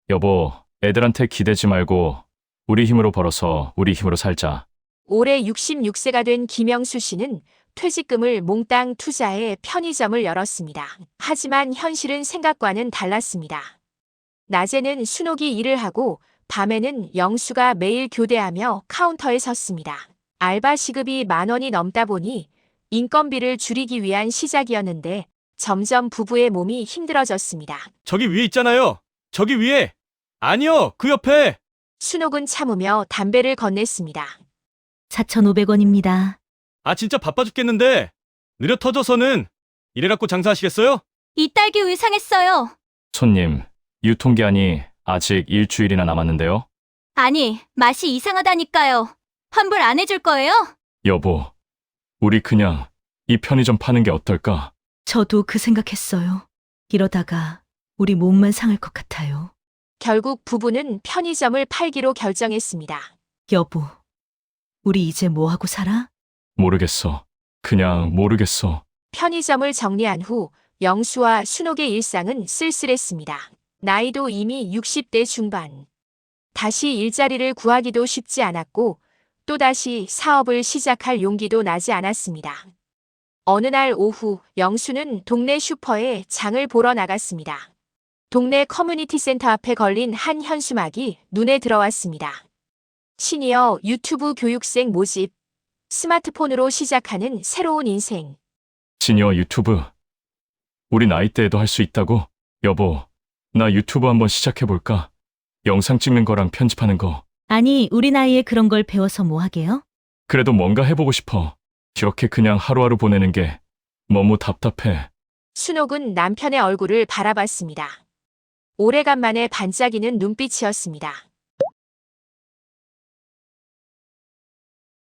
여보, 애들한테 기대지 말고 우리 힘으로 벌어서 우리 힘으로 살자. 올해 66세가 된 김영수 씨는 퇴직금을 몽땅 투자해 편의점을 열었습니다. 하지만 현실은 생각과는 달랐습니다. 낮에는 순옥이 일을 하고 밤에는 영수가 매일 교대하며 카운터에 섰습니다. 알바 시급이 10,000원이 넘다 보니 인건비를 줄이기 위한 시작이었는데 점점 부부의 몸이 힘들어졌습니다. 저기 위에 있잖아요. 저기 위에. 아니요, 그 옆에. 순옥은 참으며 담배를 건넸습니다. 4,500원입니다. 아, 진짜 바빠 죽겠는데. 느려 터져서는 이래갖고 장사하시겠어요? 이 딸기 우유 상했어요. 손님, 유통기한이 아직 일주일이나 남았는데요. 아니, 맛이 이상하다니까요. 환불 안 해줄 거예요? 여보, 우리 그냥 이 편의점 파는 게 어떨까? 저도 그 생각했어요. 이러다가 우리 몸만 상할 것 같아요. 결국 부부는 편의점을 팔기로 결정했습니다. 여보, 우리 이제 뭐 하고 살아? 모르겠어. 그냥 모르겠어. 편의점을 정리한 후 영수와 순옥의 일상은 쓸쓸했습니다. 나이도 이미 60대 중반. 다시 일자리를 구하기도 쉽지 않았고 또다시 사업을 시작할 용기도 나지 않았습니다. 어느 날 오후 영수는 동네 슈퍼에 장을 보러 나갔습니다. 동네 커뮤니티 센터 앞에 걸린 한 현수막이 눈에 들어왔습니다. 시니어 유튜브 교육생 모집, 스마트폰으로 시작하는 새로운 인생. 시니어 유튜브. 우리 나이대에도 할 수 있다고? 여보, 나 유튜브 한번 시작해볼까? 영상 찍는 거랑 편집하는 거. 아니, 우리 나이에 그런 걸 배워서 뭐 하게요? 그래도 뭔가 해보고 싶어. 이렇게 그냥 하루하루 보내는 게 너무 답답해. 순옥은 남편의 얼굴을 바라봤습니다. 오래간만에 반짝이는 눈빛이었습니다.